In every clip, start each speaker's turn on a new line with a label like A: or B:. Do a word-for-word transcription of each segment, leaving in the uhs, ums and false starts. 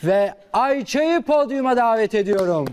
A: ve Ayça'yı podyuma davet ediyorum.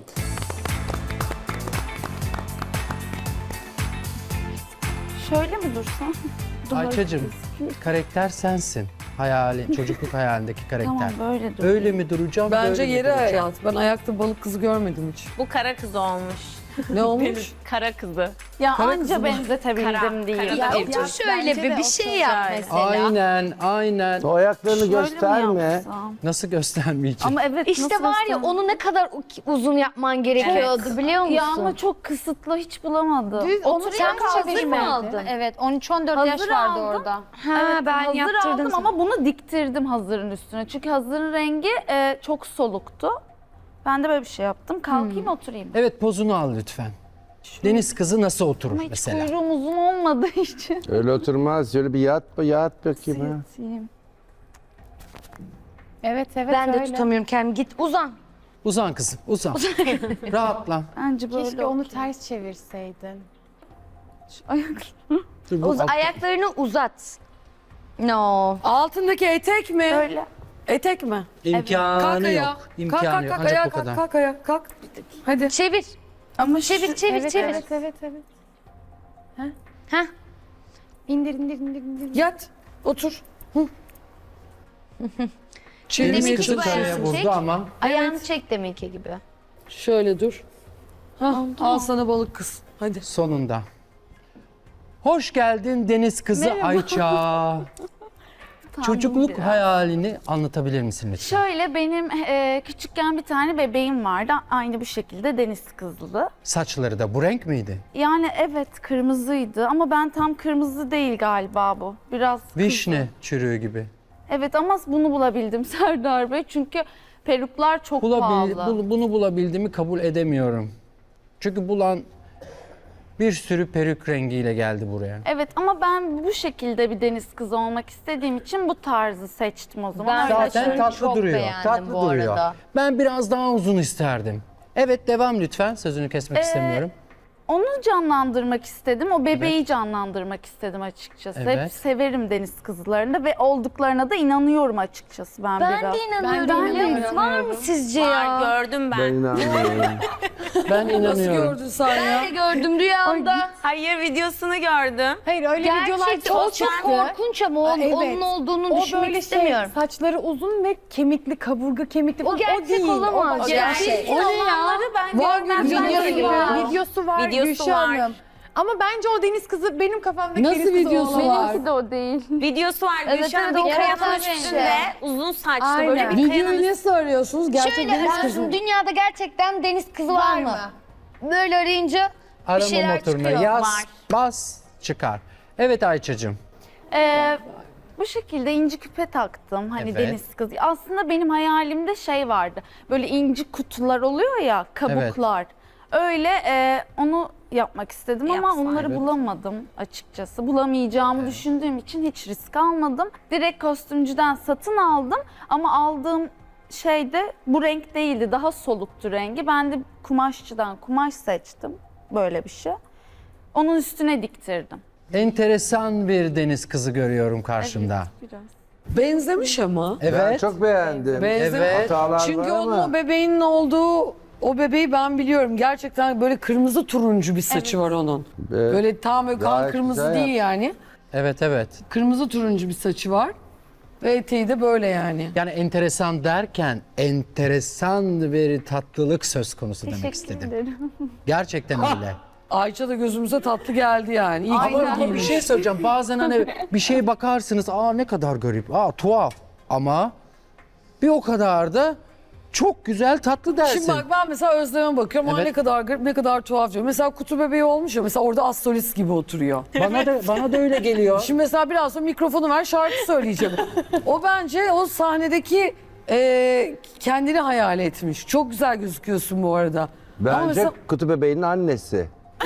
B: Şöyle mi dursam?
A: Ayça'cığım, karakter sensin. Hayalin, çocukluk hayalindeki karakter.
B: Tamam böyle dur.
A: Öyle mi duracağım?
C: Bence
A: böyle mi
C: yeri
A: duracağım?
C: hayat. Ben ayakta balık kızı görmedim hiç.
D: Bu kara kız olmuş.
C: Ne olmuş?
D: Kara kızı.
B: Ya
C: Kara
B: anca
C: kızım.
B: benzetebildim
D: Kara-
B: değil.
D: kara-
B: Ya,
D: Otur
B: ya,
E: şöyle
B: bence
E: bir
B: de
E: bir şey
B: otur
E: yap
B: şöyle.
E: mesela.
A: Aynen, aynen.
F: O ayaklarını
B: Şöyle mi
F: gösterme.
B: yapsam?
A: Nasıl göstermeyeceğim?
B: Ama evet
E: İşte
B: nasıl
E: var ya
B: göstereyim?
E: onu ne kadar u- uzun yapman gerekiyordu biliyor musun?
B: Ya ama çok kısıtlı hiç bulamadım.
G: Düz onu
E: Sen
G: sen
E: hazır mı aldın?
G: Evet on üç on dört
B: Hazır
G: yaş vardı
B: aldım.
G: orada.
E: Ha,
B: Evet,
E: ben
B: hazır
E: yaptırdım
B: aldım
E: sana.
B: ama bunu diktirdim hazırın üstüne. Çünkü hazırın rengi e, çok soluktu. Ben de böyle bir şey yaptım. Kalkayım oturayım.
A: Evet, pozunu al lütfen. Deniz kızı nasıl oturur
B: Ama hiç
A: mesela?
B: kuyruğum uzun olmadığı için.
F: Öyle oturmaz. Şöyle bir yat, yat bakayım. ha.
B: Yatayım.
G: Evet evet
E: Ben de
G: öyle.
E: tutamıyorum kendimi. Git uzan.
A: Uzan kızım, uzan. Rahatla.
B: Bence böyle
G: Keşke onu
B: okey.
G: ters çevirseydin.
B: Şu ayak-
A: Dur, bu
E: Uz-
A: alt-
E: ayaklarını uzat. No.
C: Altındaki etek mi?
B: Böyle.
C: Etek mi?
A: İmkanı
C: Kalk ayağa.
A: yok. İmkanı
C: kalk, kalk,
A: yok.
C: kalk,
A: Ancak
C: ayağa
A: bu
C: kalk,
A: kadar.
C: kalk ayağa, kalk. Hadi.
E: Çevir.
B: Ama
E: Çevir,
B: şu-
E: çevir,
G: Evet
E: çevir.
G: evet evet evet.
E: Heh.
G: İndir indir indir indir.
C: Yat, otur.
A: Deniz
E: Deminki
A: kızı
E: gibi
A: karaya
E: ayağını
A: vurdu
E: çek.
A: ama
E: Ayağını çek deminki gibi.
C: Şöyle dur. Hah, al sana balık kız. Hadi.
A: sonunda. Hoş geldin Deniz kızı Ayça. Çocukluk
B: biraz.
A: hayalini anlatabilir misin lütfen?
B: Şöyle benim e, küçükken bir tane bebeğim vardı. Aynı bu şekilde deniz kızlı.
A: Saçları da bu renk miydi?
B: Yani evet kırmızıydı ama ben tam kırmızı değil galiba bu. Biraz kızıl.
A: Vişne çürüğü gibi.
B: Evet ama bunu bulabildim Serdar Bey. Çünkü peruklar çok
A: Bulabil,
B: pahalı.
A: bu- bunu bulabildiğimi kabul edemiyorum. Çünkü bulan bir sürü peruk rengiyle geldi buraya.
B: Evet ama ben bu şekilde bir deniz kızı olmak istediğim için bu tarzı seçtim o zaman.
E: Ben
B: Öyle
A: Zaten
B: şöyle-
A: tatlı
E: çok
A: duruyor.
E: beğendim
A: Tatlı
E: bu
A: duruyor.
E: arada.
A: Ben biraz daha uzun isterdim. Evet, devam lütfen. Sözünü kesmek
B: Ee,
A: istemiyorum.
B: Onu canlandırmak istedim. O bebeği canlandırmak istedim açıkçası.
A: Evet.
B: Hep severim deniz kızlarını ve olduklarına da inanıyorum açıkçası ben,
E: Ben
B: biraz.
E: de inanıyorum.
B: Ben de
E: biliyor musun? Var mı
B: inanıyorum.
E: sizce
D: Var
E: ya?
D: gördüm ben.
F: Ben inanmıyorum.
A: Ben
C: Nasıl
A: inanıyorum.
C: gördün sen
E: Ben
C: ya?
E: de gördüm rüyamda.
D: Hayır videosunu gördüm.
G: Hayır öyle videolar
E: Gerçekten o
G: çok
E: çok
G: çıktı.
E: korkunç ama o-
G: Aa, evet.
E: onun olduğunu
G: O
E: düşünmek
G: böyle
E: istemiyorum.
G: şey saçları uzun ve kemikli kaburga kemikli
E: O
G: falan.
E: gerçek
G: değil.
E: olamaz.
G: başka
E: Ya.
G: bir şey.
B: O ne ya? Ben
C: Var
B: görmezden
C: videosu
B: geliyorum.
C: var.
G: Videosu var
D: Videosu
G: Gülşah
D: var.
G: Hanım. Ama bence o deniz kızı benim kafamdaki
C: Nasıl
G: deniz kızı
C: videosu
G: olamaz.
C: var?
B: Benimki de o değil.
D: Videosu var.
E: Evet,
D: Gülşen
E: evet,
D: bir
E: o
D: kayanın
E: fotoğraf
D: üstünde uzun saçlı böyle
G: Aynen.
D: bir
C: Videoyu
D: kayanın
C: nasıl arıyorsunuz? Gerçek
E: Şöyle
C: deniz
E: ben
C: kızı.
E: dünyada gerçekten deniz kızı var,
G: Var
E: mı?
G: mı?
E: Böyle arayınca bir
A: Arama
E: şeyler
A: motoruna
E: çıkıyor.
A: yaz,
D: Var.
A: bas, çıkar. Evet Ayça'cığım.
B: Ee, bu şekilde inci küpe taktım. Hani
A: Evet.
B: deniz kızı. Aslında benim hayalimde şey vardı. Böyle inci kutular oluyor ya, kabuklar. Öyle e, onu yapmak istedim ama
D: Yapsaydın.
B: onları
A: Evet.
B: bulamadım açıkçası. Bulamayacağımı düşündüğüm için hiç risk almadım. Direkt kostümcüden satın aldım ama aldığım şey de bu renk değildi. Daha soluktu rengi. Ben de kumaşçıdan kumaş seçtim. Böyle bir şey. Onun üstüne diktirdim.
A: Enteresan bir deniz kızı görüyorum karşımda.
B: Biraz.
C: Benzemiş ama.
A: Evet.
F: Ben çok beğendim.
C: Benzemiş.
A: Evet.
F: Hatalar
C: Çünkü
F: var
C: onun
F: ama.
C: o bebeğinin olduğu o bebeği ben biliyorum. Gerçekten böyle kırmızı turuncu bir saçı var onun.
F: Evet.
C: Böyle tam böyle kan
F: Gayet
C: kırmızı
F: güzel
C: değil yani.
A: Evet, evet.
C: Kırmızı turuncu bir saçı var. Ve eteği de böyle yani.
A: Yani enteresan derken enteresan bir tatlılık söz konusu demek
B: Teşekkür
A: istedim.
B: ederim.
A: Gerçekten öyle.
C: Ayça da gözümüze tatlı geldi yani. İyi ki
A: Ama,
C: böyle
A: ama bir
C: giymiş.
A: şey söyleyeceğim. Bazen hani bir şeye bakarsınız, aa ne kadar garip, aa tuhaf. Ama bir o kadar da çok güzel, tatlı dersin.
C: Şimdi bak ben mesela Özlem'e bakıyorum. Aa
A: Evet.
C: ne kadar garip, ne kadar tuhaf diyor. Mesela kutu bebeği olmuş ya. Mesela orada astrolist gibi oturuyor.
A: Bana da bana da öyle geliyor.
C: Şimdi mesela biraz sonra mikrofonu ver şarkı söyleyeceğim. O bence o sahnedeki e, kendini hayal etmiş. Çok güzel gözüküyorsun bu arada. Ama
F: Bence
C: mesela-
F: kutu bebeğinin annesi.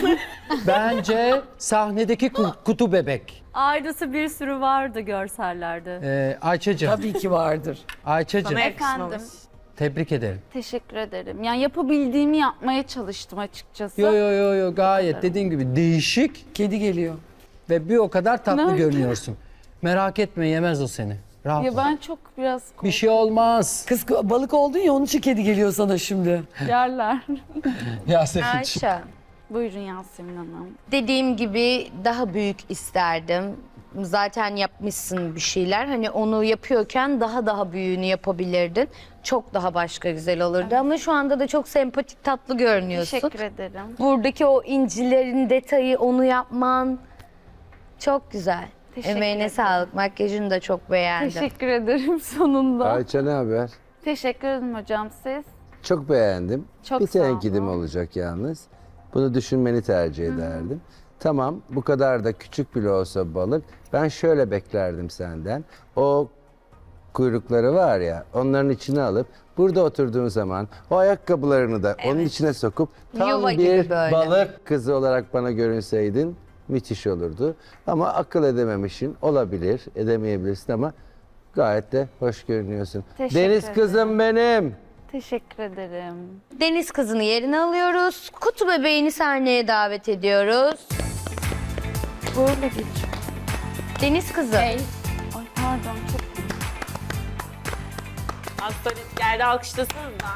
A: Bence sahnedeki ku- kutu bebek.
H: Aynısı bir sürü vardı görsellerde.
A: Ee, Ayça'cığım,
C: Tabii ki vardır.
A: Ayça'cığım
D: Sana
B: Efendim,
D: yakışmamış.
A: tebrik ederim.
B: teşekkür ederim. Yani yapabildiğimi yapmaya çalıştım açıkçası.
A: Yo yo yo yo gayet dediğin gibi değişik
C: Kedi geliyor.
A: ve bir o kadar tatlı
B: Nerede?
A: görünüyorsun. Merak etme, yemez o seni. Rahat ol.
B: Ya ben çok biraz
A: Bir şey olmaz.
C: Kız balık oldun ya onun için kedi geliyor sana şimdi.
B: yerler.
A: Yasemin'ciğim.
E: Ayşe.
B: Buyurun Yasemin Hanım.
E: Dediğim gibi daha büyük isterdim. Zaten yapmışsın bir şeyler. Hani onu yapıyorken daha daha büyüğünü yapabilirdin. Çok daha başka güzel olurdu ama şu anda da çok sempatik, tatlı görünüyorsun.
B: Teşekkür ederim.
E: Buradaki o incilerin detayı, onu yapman çok güzel.
B: Teşekkür
E: Emeğine
B: ederim.
E: sağlık. Makyajını da çok beğendim.
B: Teşekkür ederim sonunda.
F: Ayça ne haber?
B: Teşekkür ederim hocam siz.
F: Çok beğendim.
B: Çok
F: bir
B: sağ
F: tenkidim
B: olun.
F: olacak yalnız. Bunu düşünmeni tercih ederdim. Tamam, bu kadar da küçük bile olsa balık. Ben şöyle beklerdim senden. O kuyrukları var ya, onların içine alıp burada oturduğun zaman o ayakkabılarını da onun içine sokup tam
E: Yuva gibi
F: bir
E: böyle.
F: balık kızı olarak bana görünseydin müthiş olurdu. Ama akıl edememişsin, olabilir, edemeyebilirsin ama gayet de hoş görünüyorsun.
B: Teşekkür
F: Deniz
B: ederim.
F: kızım benim.
B: Teşekkür ederim.
E: Deniz kızını yerine alıyoruz. Kutu bebeğini sahneye davet ediyoruz.
B: Böyle geç.
E: Deniz kızı.
B: Ay pardon çok
D: Astrolist geldi, alkışlasınız da.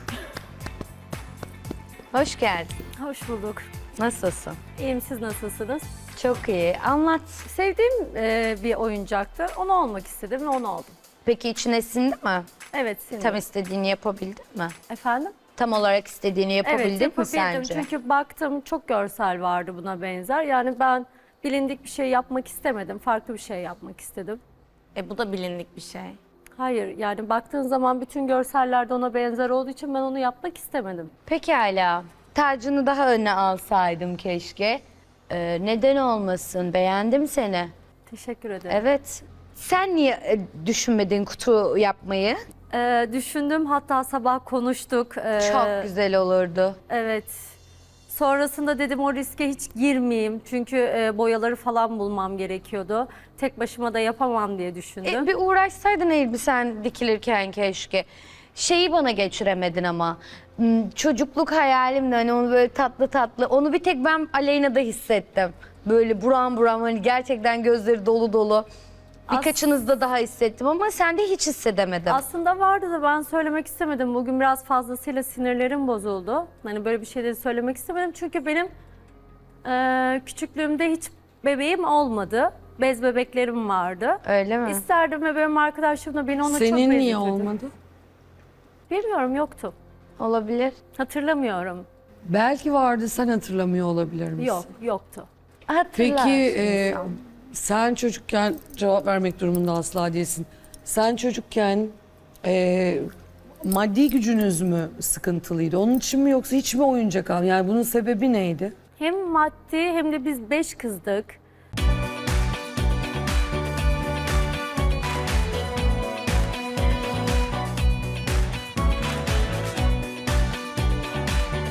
E: Hoş geldin.
H: Hoş bulduk.
E: Nasılsın?
H: İyiyim, siz nasılsınız?
E: Çok iyi. Anlat.
H: Sevdiğim e, bir oyuncaktı. Onu olmak istedim ve onu oldum.
E: Peki içine sindi mi?
H: Evet, sinir.
E: Tam istediğini yapabildin mi?
H: Efendim?
E: Tam olarak istediğini yapabildin
H: Evet,
E: mi
H: yapabildim.
E: sence?
H: Çünkü baktım çok görsel vardı buna benzer. Yani ben bilindik bir şey yapmak istemedim. Farklı bir şey yapmak istedim.
D: E bu da bilindik bir şey.
H: Hayır, yani baktığın zaman bütün görsellerde ona benzer olduğu için ben onu yapmak istemedim.
E: Pekala. Tacını daha öne alsaydım keşke. Ee, neden olmasın? Beğendim seni.
H: Teşekkür ederim.
E: Evet. Sen niye e, düşünmedin kutu yapmayı?
H: Ee, düşündüm, hatta sabah konuştuk. Ee,
E: Çok güzel olurdu.
H: Evet. Sonrasında dedim o riske hiç girmeyeyim. Çünkü e, boyaları falan bulmam gerekiyordu. Tek başıma da yapamam diye düşündüm.
E: E, bir uğraşsaydın elbisen dikilirken keşke. Şeyi bana geçiremedin ama. Hmm, Çocukluk hayalimdi hani onu böyle tatlı tatlı. Onu bir tek ben Aleyna'da hissettim. Böyle buram buram hani gerçekten gözleri dolu dolu. Birkaçınızda daha hissettim ama sende hiç hissedemedim.
H: Aslında vardı da ben söylemek istemedim. Bugün biraz fazlasıyla sinirlerim bozuldu. Hani böyle bir şeyleri söylemek istemedim. Çünkü benim e, küçüklüğümde hiç bebeğim olmadı. Bez bebeklerim vardı.
E: Öyle mi?
H: İsterdim ve benim arkadaşım da beni ona çok
C: Senin niye
H: benzetirdi.
C: olmadı?
H: Bilmiyorum, yoktu.
E: Olabilir.
H: Hatırlamıyorum.
C: Belki vardı, sen hatırlamıyor olabilir misin?
H: Yok, yoktu.
E: Hatırlarsın
C: Peki e,
E: insan.
C: sen çocukken cevap vermek durumunda asla değilsin. Sen çocukken e, maddi gücünüz mü sıkıntılıydı? Onun için mi yoksa hiç mi oyuncak al? Yani bunun sebebi neydi?
H: Hem maddi hem de biz beş kızdık.